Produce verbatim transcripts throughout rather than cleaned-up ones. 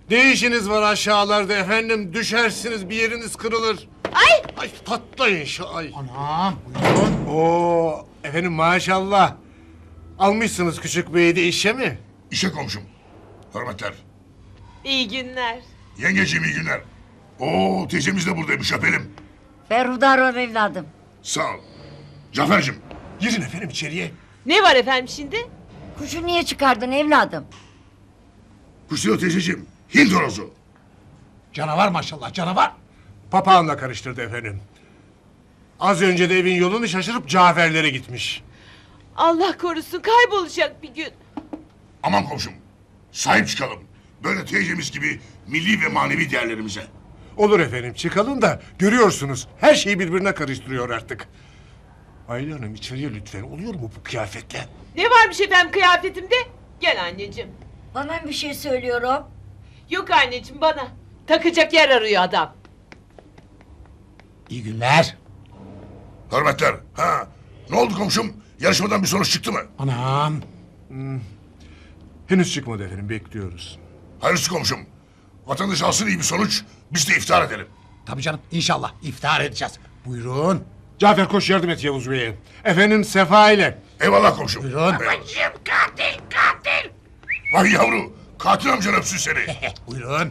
Ne işiniz var aşağılarda efendim? Düşersiniz, bir yeriniz kırılır. Ay! Ay patlayın şu ay. Anam buyurun. Oo efendim maşallah. Almışsınız küçük beyi de işe mi? İşe komşum. Hürmetler. İyi günler. Yengeciğim iyi günler. Oo teyzemiz de buradaymış öpelim. Ferhudar ol evladım. Sağ ol. Cafer'cim. Girin efendim içeriye. Ne var efendim şimdi? Kuşu niye çıkardın evladım? Kusuyor teyzeciğim. Hint horozu. Canavar maşallah canavar. Papağanla karıştırdı efendim. Az önce de evin yolunu şaşırıp Cafer'lere gitmiş. Allah korusun kaybolacak bir gün. Aman komşum. Sahip çıkalım. Böyle teyzemiz gibi milli ve manevi değerlerimize. Olur efendim çıkalım da görüyorsunuz her şeyi birbirine karıştırıyor artık. Ayla Hanım içeriye lütfen, oluyor mu bu kıyafetle? Ne varmış efendim kıyafetimde? Gel anneciğim. Bana bir şey söylüyorum. Yok anneciğim bana. Takacak yer arıyor adam. İyi günler. Hürmetler. Ha. Ne oldu komşum? Yarışmadan bir sonuç çıktı mı? Anam. Henüz çıkmadı efendim, bekliyoruz. Hayırlısı komşum. Vatandaş alsın iyi bir sonuç. Biz de iftar edelim. Tabii canım inşallah iftar edeceğiz. Buyurun. Cafer koş yardım et Yavuz Bey'e. Efendim Sefa ile. Eyvallah komşum. Buyurun. Babacığım katil katil. Vay yavru. Katil amcan öpsün seni. Buyurun.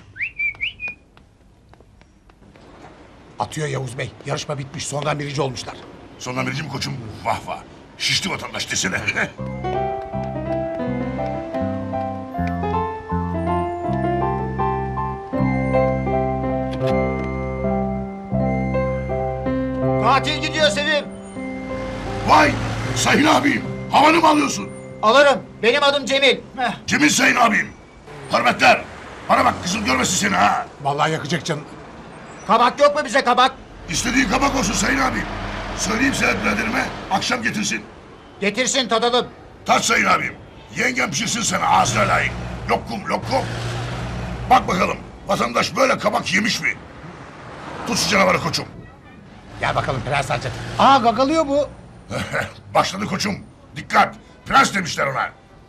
Atıyor Yavuz Bey. Yarışma bitmiş. Sondan birinci olmuşlar. Sondan vericim koçum. Vah vah. Şişti vatandaş desene. Katil gidiyor Sevim. Vay. Sayın abim. Havanı mı alıyorsun? Alırım. Benim adım Cemil. Heh. Kimin sayın abim? Hürmetler. Bana bak kızım görmesin seni ha. Vallahi yakacak canım. Kabak yok mu bize kabak? İstediğin kabak olsun sayın abim. Söyleyeyim Sedat biraderime akşam getirsin. Getirsin tadalım. Tat sayın abim. Yengem pişirsin sana ağzına layık. Lokum lokum. Bak bakalım vatandaş böyle kabak yemiş mi? Tut şu canavarı koçum. Gel bakalım Prens Hazret. Aa gagalıyor bu. Başladı koçum. Dikkat. Prens demişler ona.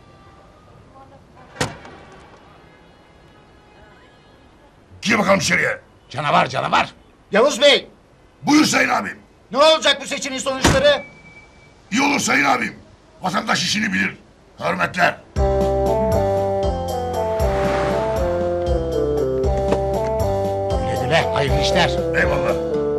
Gir bakalım içeriye. Canavar canavar. Yavuz Bey. Buyur sayın abim. Ne olacak bu seçimin sonuçları? İyi olur sayın abim. Vatandaş işini bilir. Hürmetler. Güle güle. Hayırlı işler. Eyvallah.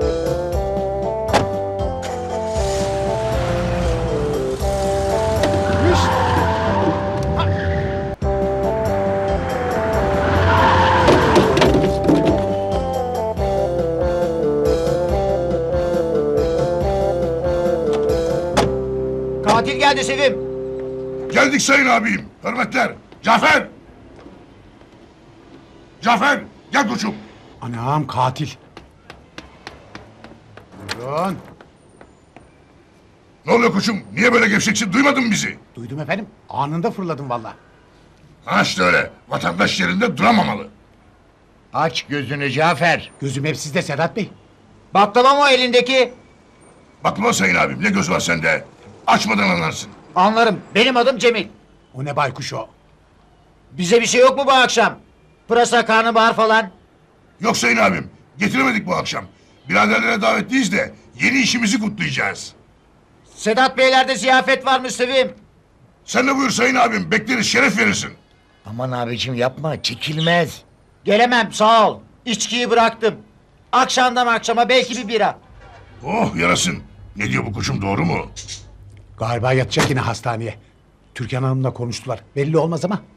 Katil geldi Sevim. Geldik sayın abim. Hürmetler. Cafer. Cafer. Gel koçum. Anam katil. Buyurun. Ne oluyor koçum? Niye böyle gevşeksin? Duymadın mı bizi? Duydum efendim. Anında fırladım vallahi. Ha işte öyle. Vatandaş yerinde duramamalı. Aç gözünü Cafer. Gözüm hep sizde Sedat Bey. Baklava mı o elindeki? Bakma sayın abim. Ne göz var sende? Açmadan anlarsın. Anlarım. Benim adım Cemil. O ne baykuş o? Bize bir şey yok mu bu akşam? Pırasa, karnabahar falan. Yok sayın abim. Getiremedik bu akşam. Biraderlere davetliyiz de yeni işimizi kutlayacağız. Sedat Beylerde ziyafet varmış Sevim. Sen de buyur sayın abim. Bekleriz. Şeref verirsin. Aman abicim yapma çekilmez. Gelemem sağ ol. İçkiyi bıraktım. Akşamdan akşama belki bir bira. Oh yarasın. Ne diyor bu koçum doğru mu? Galiba yatacak yine hastaneye. Türkan Hanım'la konuştular. Belli olmaz ama.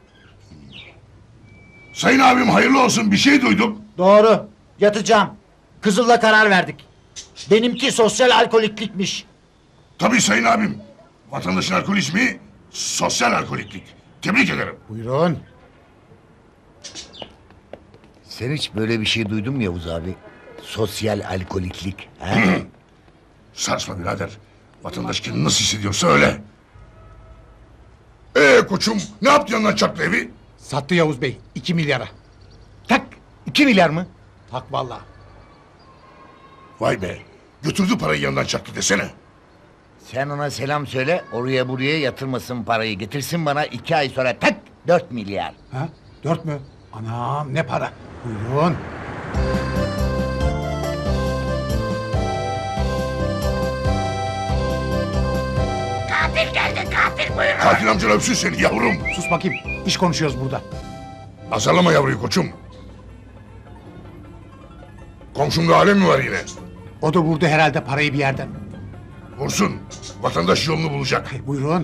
Sayın abim hayırlı olsun. Bir şey duyduk. Doğru. Yatacağım. Kızıl'la karar verdik. Benimki sosyal alkoliklikmiş. Tabii sayın abim. Vatandaşın alkolizmi sosyal alkoliklik. Tebrik ederim. Buyurun. Sen hiç böyle bir şey duydun mu Yavuz abi? Sosyal alkoliklik. He? Sarsma birader. Vatandaş kendini nasıl hissediyorsa öyle. Ee koçum ne yaptı yanından çaktı evi? Sattı Yavuz Bey. iki milyara. Tak iki milyar mı? Tak vallahi. Vay be. Götürdü parayı yanından çaktı desene. Sen ona selam söyle oraya buraya yatırmasın parayı. Getirsin bana iki ay sonra tak dört milyar. Ha? Dört mü? Anam ne para. Buyurun. Katil amcan öpsün seni yavrum. Sus bakayım. İş konuşuyoruz burada. Azarlama yavruyu koçum. Komşumda alem mi var yine? O da vurdu herhalde parayı bir yerden. Vursun. Vatandaş yolunu bulacak. Hey, buyurun.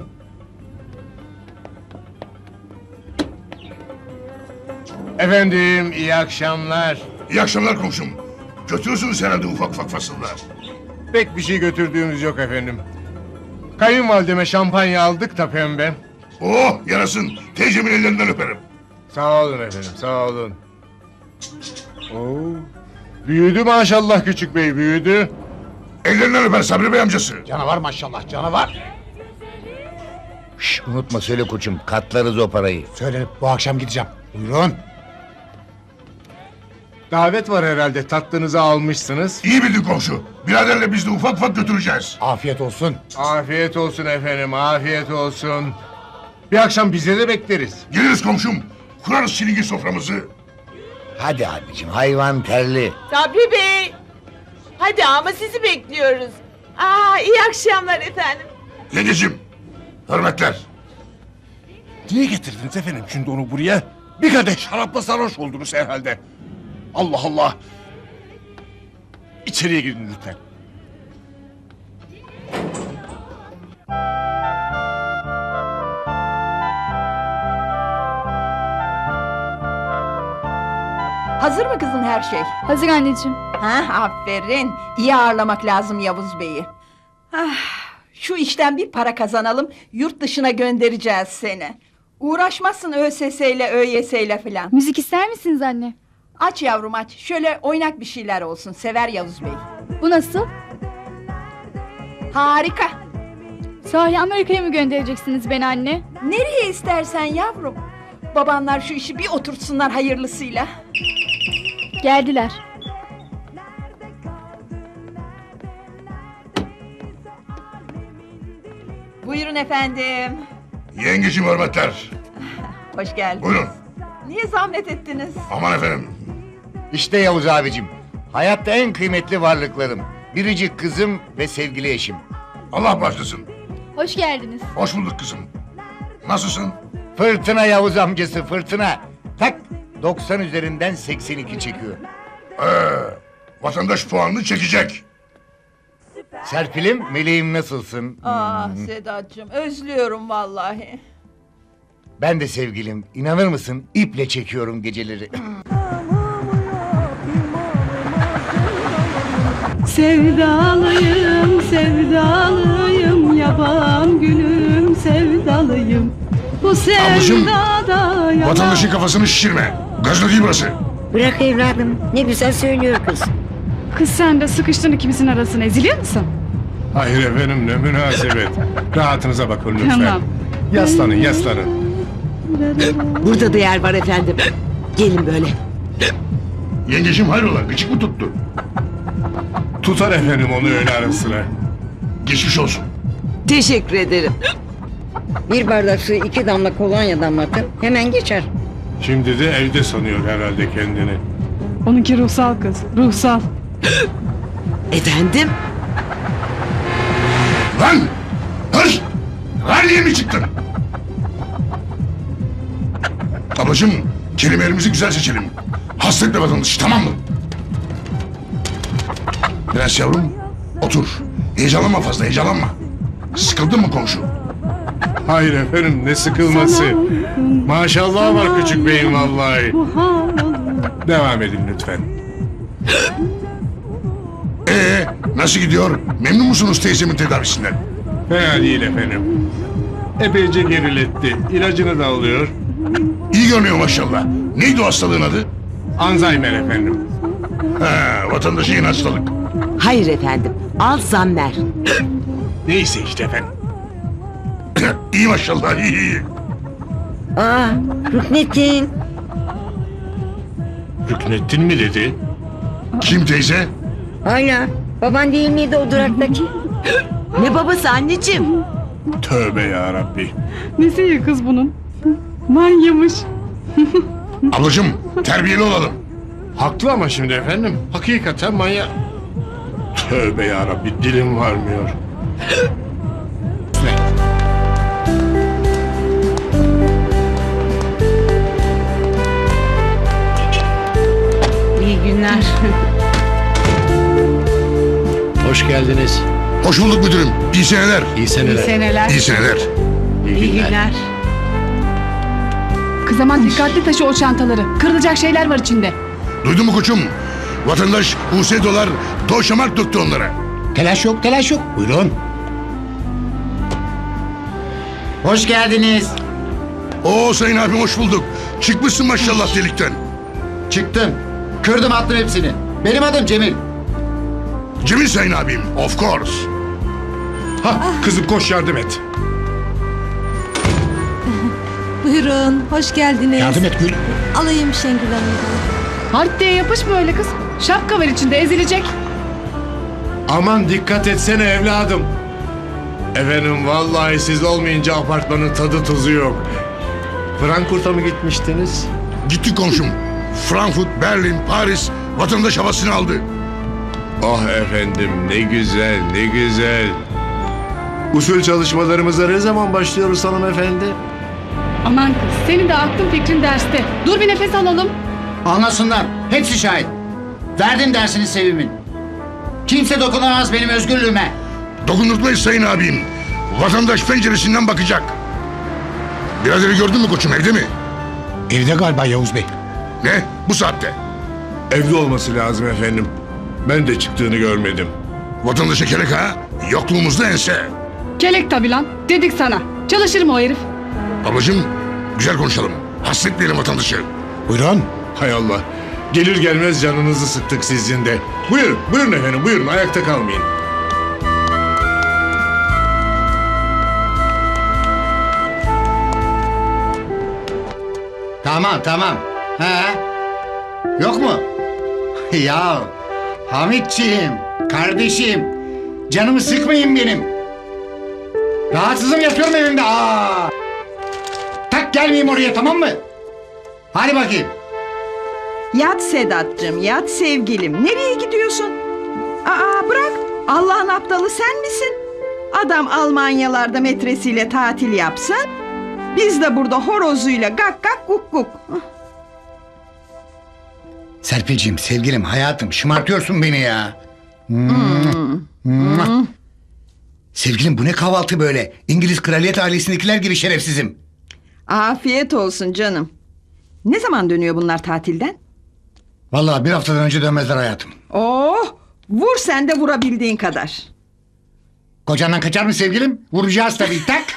Efendim iyi akşamlar. İyi akşamlar komşum. Götürürsünüz herhalde ufak ufak fasıllar. Pek bir şey götürdüğümüz yok efendim. Kayınvalideme şampanya aldık da pembe. Oh yarasın. Teyzemin ellerinden öperim. Sağ olun efendim sağ olun. Oo, büyüdü maşallah küçük bey büyüdü. Ellerinden öper Sabri Bey amcası. Canavar maşallah canavar. Şş, unutma söyle koçum. Katlarız o parayı. Söyle bu akşam gideceğim. Buyurun. Davet var herhalde tatlınızı almışsınız. İyi bildin komşu. Biraderle biz de ufak ufak götüreceğiz. Afiyet olsun. Afiyet olsun efendim afiyet olsun. Bir akşam bize de bekleriz. Geliriz komşum. Kurarız çilingir soframızı. Hadi abicim hayvan terli. Sabri Bey. Hadi ama sizi bekliyoruz. Aa iyi akşamlar efendim. Yengecim. Hürmetler. Niye getirdiniz efendim şimdi onu buraya? Bir kadeh şarapla sarhoş oldunuz herhalde. Allah Allah. İçeriye girin lütfen. Hazır mı kızım her şey? Hazır anneciğim. Ha, aferin. İyi ağırlamak lazım Yavuz Bey'i. Ah, şu işten bir para kazanalım, yurt dışına göndereceğiz seni. Uğraşmazsın ÖSS ile ÖYS ile filan. Müzik ister misiniz anne? Aç yavrum aç. Şöyle oynak bir şeyler olsun. Sever Yavuz Bey. Bu nasıl? Harika. Sahi Amerika'ya mı göndereceksiniz beni anne? Nereye istersen yavrum. Babanlar şu işi bir oturtsunlar hayırlısıyla. Geldiler. Buyurun efendim. Yengecim hürmetler. Hoş geldiniz. Buyurun. Niye zahmet ettiniz? Aman efendim. İşte Yavuz abicim. Hayatta en kıymetli varlıklarım. Biricik kızım ve sevgili eşim. Allah başlasın. Hoş geldiniz. Hoş bulduk kızım. Nasılsın? Fırtına Yavuz amcası fırtına. Tak doksan üzerinden seksen iki çekiyor. Ee, vatandaş puanını çekecek. Serpil'im meleğim nasılsın? Ah Sedat'cığım özlüyorum vallahi. Ben de sevgilim. İnanır mısın? İple çekiyorum geceleri. Sevdalıyım, sevdalıyım, yaban gülüm sevdalıyım. Bu sevdada yalan. Vatandaşın kafasını şişirme. Gazlı değil burası. Bırak evladım. Ne güzel söylüyor kız. Kız sen de sıkıştın ikimizin arasına, eziliyor musun? Hayır efendim ne münasebet. Rahatınıza bakın lütfen. Tamam. Yaslanın yaslanın. Burada da yer var efendim. Gelin böyle. Yengecim hayrola gıcık mı tuttu? Tutar efendim onu öyle ara sıra. Geçmiş olsun. Teşekkür ederim. Bir bardak su iki damla kolonya damlatın. Hemen geçer. Şimdi de evde sanıyor herhalde kendini. Onunki ruhsal kız, ruhsal. Efendim? Lan! Hır! Ralliye mi çıktın? Ablacığım kelimelerimizi güzel seçelim. Hasretle vatandaşı tamam mı? Prens yavrum otur. Heyecanlanma fazla heyecanlanma. Sıkıldın mı komşu? Hayır efendim ne sıkılması. Maşallah var küçük beyim vallahi. Devam edin lütfen. Ee, nasıl gidiyor? Memnun musunuz teyzemin tedavisinden? Fena değil efendim. Epeyce geriletti. İlacını da alıyor. İyi görünüyor maşallah. Neydi o hastalığın adı? Alzheimer efendim. Ha, vatandaşı yeni hastalık. Hayır efendim. Alzheimer. Neyse işte efendim. İyi maşallah iyi iyi. Aa, Rüknettin. Rüknettin mi dedi? Kim teyze? Hala. Baban değil miydi o duraktaki? Ne babası anneciğim? Tövbe ya Rabbi. Nesi iyi kız bunun? Manyamış. Ablacığım terbiyeli olalım. Haklı ama şimdi efendim. Hakikaten manyak. Tövbe yarabbi, dilim varmıyor. İyi günler. Hoş geldiniz. Hoş bulduk müdürüm. İyi seneler. İyi seneler. Seneler. İyi seneler. İyi günler. Kız aman dikkatli taşı o çantaları. Kırılacak şeyler var içinde. Duydun mu koçum? Vatandaş U S dolar doşamak döktü onlara. Telaş yok, telaş yok. Buyurun. Hoş geldiniz. Oo sayın abim hoş bulduk. Çıkmışsın maşallah delikten. Çıktım. Kırdım attım hepsini. Benim adım Cemil. Cemil sayın abim. Of course. Ha kızım koş yardım et. Buyurun, hoş geldiniz. Yardım et Gül. Alayım Şengül Hanım'dan. Hart diye yapışma öyle kız. Şapka var içinde ezilecek. Aman dikkat etsene evladım. Efendim vallahi siz olmayınca apartmanın tadı tuzu yok. Frankfurt'a mı gitmiştiniz? Gitti komşum. Frankfurt, Berlin, Paris vatandaş havasını aldı. Ah efendim ne güzel ne güzel. Usul çalışmalarımıza ne zaman başlıyoruz hanımefendi? Aman kız senin de aklın fikrin derste. Dur bir nefes alalım. Anlasınlar. Hepsi şahit. Verdim dersini Sevim'in. Kimse dokunamaz benim özgürlüğüme. Dokundurtmayız sayın abim. Vatandaş penceresinden bakacak. Biraderi gördün mü koçum evde mi? Evde galiba Yavuz Bey. Ne? Bu saatte. Evde olması lazım efendim. Ben de çıktığını görmedim. Vatandaşa kelek ha? Yokluğumuzda ense. Kelek tabi lan. Dedik sana. Çalışır mı o herif? Ablacığım güzel konuşalım. Hasretmeyelim vatandaşı. Buyurun. Hay Allah. Gelir gelmez canınızı sıktık sizin de. Buyurun, buyurun efendim, buyurun. Ayakta kalmayın. Tamam tamam. He? Yok mu? Ya Hamitciğim, kardeşim. Canımı sıkmayın benim. Rahatsızım yatıyorum evimde. Aa! Tak gelmeyeyim oraya tamam mı? Hadi bakayım. Yat Sedat'cığım, yat sevgilim. Nereye gidiyorsun? Aa bırak. Allah'ın aptalı sen misin? Adam Almanyalarda metresiyle tatil yapsın. Biz de burada horozuyla gak gak guk guk. Serpilciğim, sevgilim, hayatım şımartıyorsun beni ya. Hmm. Hmm. Sevgilim bu ne kahvaltı böyle? İngiliz kraliyet ailesindekiler gibi şerefsizim. Afiyet olsun canım. Ne zaman dönüyor bunlar tatilden? Vallahi bir haftadan önce dönmezler hayatım. Oh, vur sen de vurabildiğin kadar. Kocandan kaçar mı sevgilim? Vuracağız tabii tak.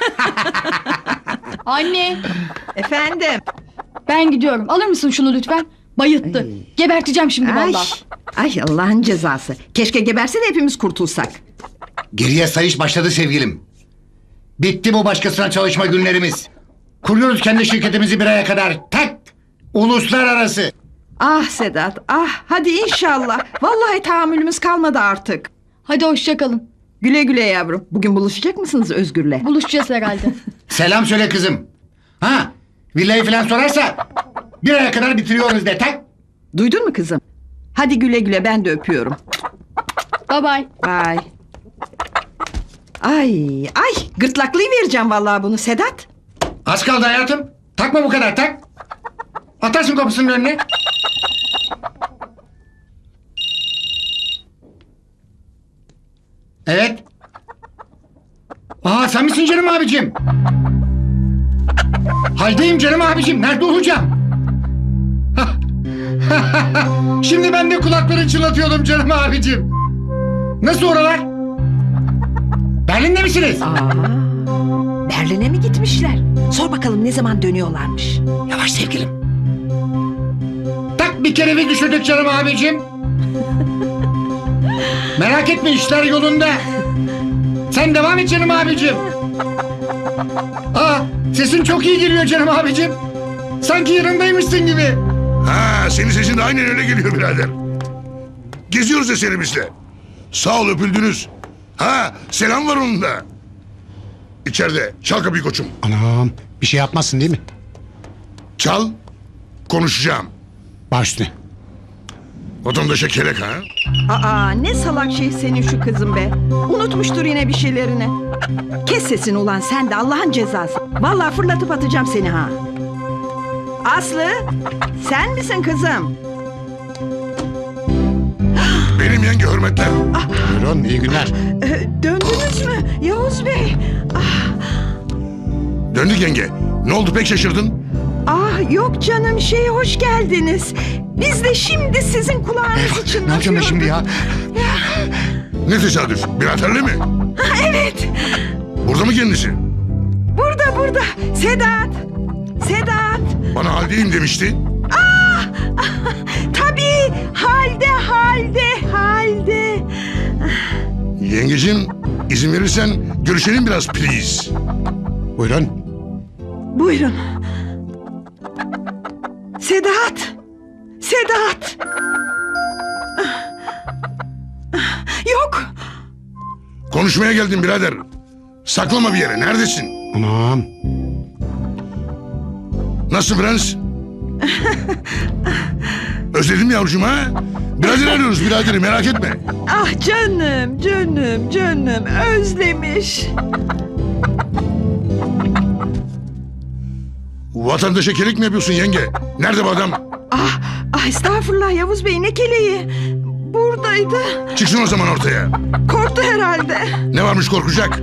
Anne Efendim. ben gidiyorum. Alır mısın şunu lütfen? Bayılttı. Geberteceğim şimdi Ay, vallahi. ay Allah'ın cezası. Keşke geberse de hepimiz kurtulsak. Geriye sayış başladı sevgilim. Bitti bu başkasına çalışma günlerimiz. Kuruyoruz kendi şirketimizi bir aya kadar. Tak! Uluslararası. Ah Sedat, ah hadi inşallah. Vallahi tahammülümüz kalmadı artık. Hadi hoşça kalın. Güle güle yavrum. Bugün buluşacak mısınız Özgür'le? Buluşacağız herhalde. Selam söyle kızım. Ha, villayı falan sorarsa bir aya kadar bitiriyoruz de tak. Duydun mu kızım? Hadi güle güle ben de öpüyorum. Bye bye. Bye. Ay ay gırtlaklayı vereceğim vallahi bunu Sedat. Az kaldı hayatım. Takma bu kadar tak. Atarsın kapısının önüne. Evet. Aa sen misin canım abicim? Haldeyim canım abicim. Nerede olacağım? Şimdi ben de kulakları çınlatıyordum canım abicim. Nasıl oralar? Berlin'de misiniz? Aa, Berlin'e mi gitmişler? Sor bakalım ne zaman dönüyorlarmış. Yavaş sevgilim. Tak bir kere bir düşürdük canım abicim. Merak etme işler yolunda. Sen devam et canım abicim. Aa, sesin çok iyi geliyor canım abicim. Sanki yanındaymışsın gibi. Ha senin sesin de aynen öyle geliyor birader. Geziyoruz eserimizle. Sağ ol öpüldünüz. Ha selam var onun da. İçeride çal kapıyı koçum. Anam bir şey yapmazsın değil mi? Çal. Konuşacağım. Baş üstüne. Vatandaşa kelek ha? Aa ne salak şey senin şu kızın be. Unutmuştur yine bir şeylerini. Kes sesini ulan sen de Allah'ın cezası. Vallahi fırlatıp atacağım seni ha. Aslı sen misin kızım? Benim yenge hürmetler. Buyurun iyi günler. Ee, döndünüz mü Yavuz Bey? Ah, Döndük yenge. Ne oldu pek şaşırdın? ah yok canım şey hoş geldiniz. Biz de şimdi sizin kulağınız için Ne yapacağım ben şimdi ya? Ne tesadüf? Biraderli mi? Evet. Burada mı kendisi? Burada burada. Sedat. Sedat. Bana haldeyim demişti. Tabii. Halde halde halde. Yengeciğim izin verirsen görüşelim biraz please. Buyurun. Buyurun. Sedat. Sedat. Yok. Konuşmaya geldim birader. Saklama bir yere. Neredesin? Anam. Nasıl prens? Özledim yavrucuğum ha? Birader arıyoruz biraderi merak etme. Ah canım canım canım özlemiş. Vatandaşa kelik mi yapıyorsun yenge? Nerede bu adam? Ah, ah estağfurullah Yavuz Bey ne keleği. Buradaydı. Çıksın o zaman ortaya. Korktu herhalde. Ne varmış korkacak?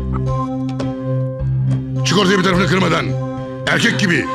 Çık ortaya bir tarafını kırmadan. Erkek gibi.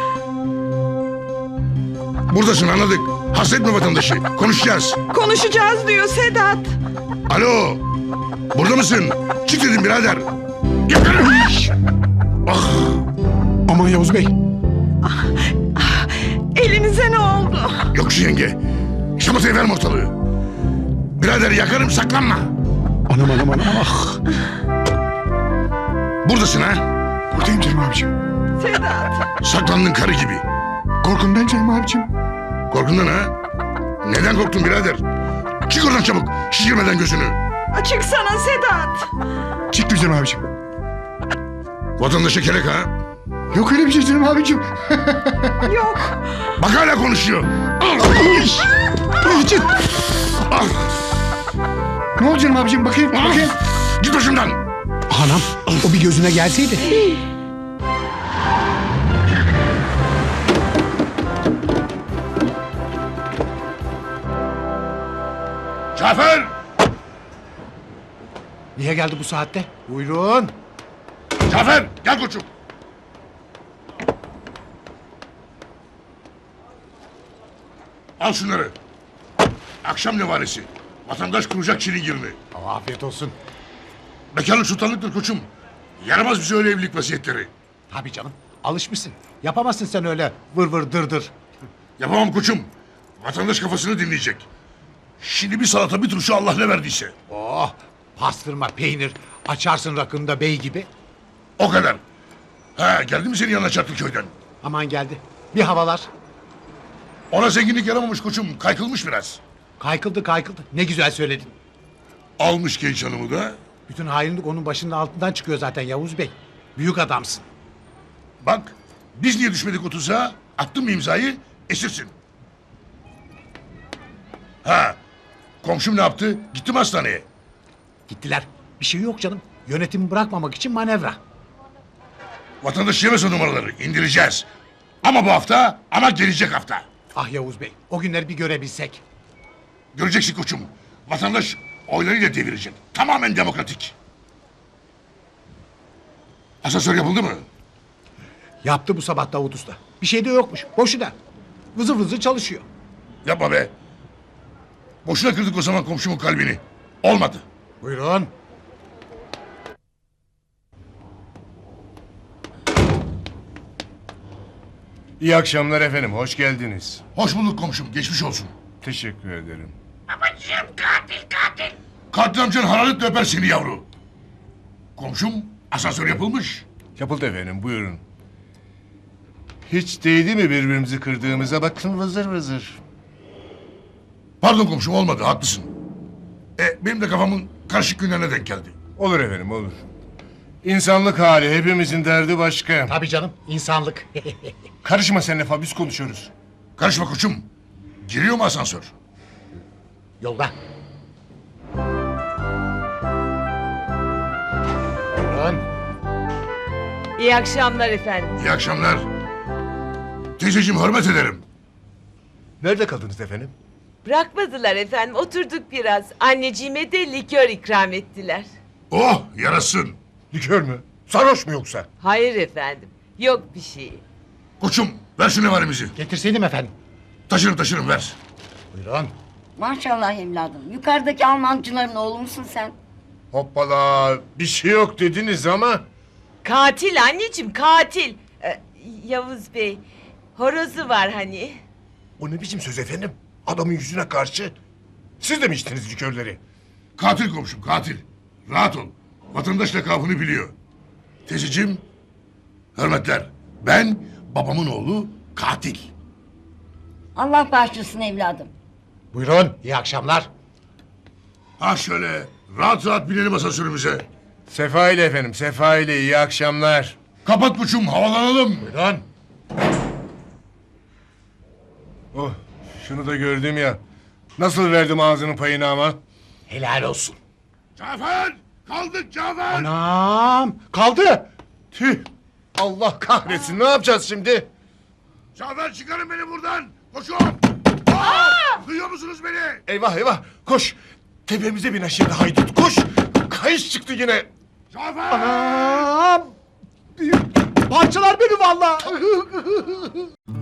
Buradasın anladık. Hasretme vatandaşı. Konuşacağız. Konuşacağız diyor Sedat. Alo. Burada mısın? Çık dedim birader. Gel. Ah. Aman Yavuz Bey. Elinize ne oldu? Yok şu yenge. Şamatayı verme ortalığı. Birader yakarım saklanma. Anam anam anam. Ah. Buradasın ha? Buradayım canım abicim. Sedat. Saklandın karı gibi. Korkumdan canım abicim. Korkundan ha? Neden korktun birader? Çık oradan çabuk. Şişirmeden gözünü. Açık sana Sedat. Çıktı canım abicim. Vatandaşa kelek ha? Yok öyle bir şey canım abicim. Yok. Bak hala konuşuyor. Için. Ah. Ne oldu canım abicim bakayım Ah. bakayım. Git başımdan. Anam o bir gözüne gelseydi. Cafer! Niye geldi bu saatte? Buyurun. Cafer gel koçum. Al şunları. Akşam nevaresi. Vatandaş kuracak çilingirini. Afiyet olsun. Bekarlık sultanlıktır koçum. Yaramaz bize öyle evlilik vasiyetleri. Tabii canım. Alışmışsın. Yapamazsın sen öyle vır vır dır dır. Yapamam koçum. Vatandaş kafasını dinleyecek. Şimdi bir salata bir turşu Allah ne verdiyse. Oh pastırma peynir açarsın rakında bey gibi. O kadar. Ha geldi mi senin yanına Çarklıköy'den? Aman geldi. Bir havalar. Ona zenginlik yaramamış koçum. Kaykılmış biraz. Kaykıldı kaykıldı. Ne güzel söyledin. Almış genç hanımı da. Bütün hainlik onun başının altından çıkıyor zaten Yavuz Bey. Büyük adamsın. Bak biz niye düşmedik o tuzağa? Attın mı imzayı? Esirsin. Ha komşum ne yaptı? Gitti mi hastaneye? Gittiler. Bir şey yok canım. Yönetimi bırakmamak için manevra. Vatandaş yemez o numaraları. İndireceğiz. Ama bu hafta ama gelecek hafta. Ah Yavuz Bey o günleri bir görebilsek. Göreceksin koçum. Vatandaş oylarıyla devirecek. Tamamen demokratik. Asansör yapıldı mı? Yaptı bu sabah Davut Usta. Bir şey de yokmuş. Boşuna. Vızır vızır çalışıyor. Yapma be. Boşuna kırdık o zaman komşumun kalbini. Olmadı. Buyurun. İyi akşamlar efendim, hoş geldiniz. Hoş bulduk komşum. Geçmiş olsun. Teşekkür ederim. Katil amcan hararetle öper seni yavru. Komşum asansör yapılmış. Yapıldı efendim, buyurun. Hiç değdi mi birbirimizi kırdığımıza, bakın vızır vızır. Pardon komşum olmadı haklısın. E, benim de kafamın karışık günlerine denk geldi. Olur efendim, olur. İnsanlık hali, hepimizin derdi başka. Tabii canım insanlık. Karışma sen lafa, biz konuşuyoruz. Karışma koçum. Giriyor mu asansör? Yolda. Buyurun. İyi akşamlar efendim. İyi akşamlar. Teyzeciğim hürmet ederim. Nerede kaldınız efendim? Bırakmadılar efendim. Oturduk biraz. Anneciğime de likör ikram ettiler. Oh yarasın. Likör mü? Sarhoş mu yoksa? Hayır efendim. Yok bir şey. Koçum ver şu nevarimizi. Getirseydim efendim. Taşırım taşırım ver. Buyurun. Maşallah evladım. Yukarıdaki Almancıların oğlu musun sen? Hoppala bir şey yok dediniz ama. Katil anneciğim katil. Ee, Yavuz Bey. Horozu var hani. O ne biçim söz efendim? Adamın yüzüne karşı. Siz de mi içtiniz likörleri? Katil komşum katil. Rahat ol. Vatandaş lakabını biliyor. Teyzeciğim hürmetler. Ben babamın oğlu katil. Allah bağışlasın evladım. Buyurun. İyi akşamlar. Ha şöyle rahat rahat binelim asansörümüze. Sefa ile efendim, Sefa ile iyi akşamlar. Kapat koçum havalanalım. Buyurun. Oh, şunu da gördüm ya. Nasıl verdim ağzının payını ama? Helal olsun. Cafer! Kaldık Cafer! Anam. Kaldı. Tüh! Allah kahretsin, ne yapacağız şimdi? Cafer çıkarın beni buradan! Koşun! Aa! Duyuyor musunuz beni? Eyvah eyvah, koş! Tepemize bin aşağıda haydut, koş! Kayış çıktı yine. Cafer! Anam. Parçalar beni vallahi.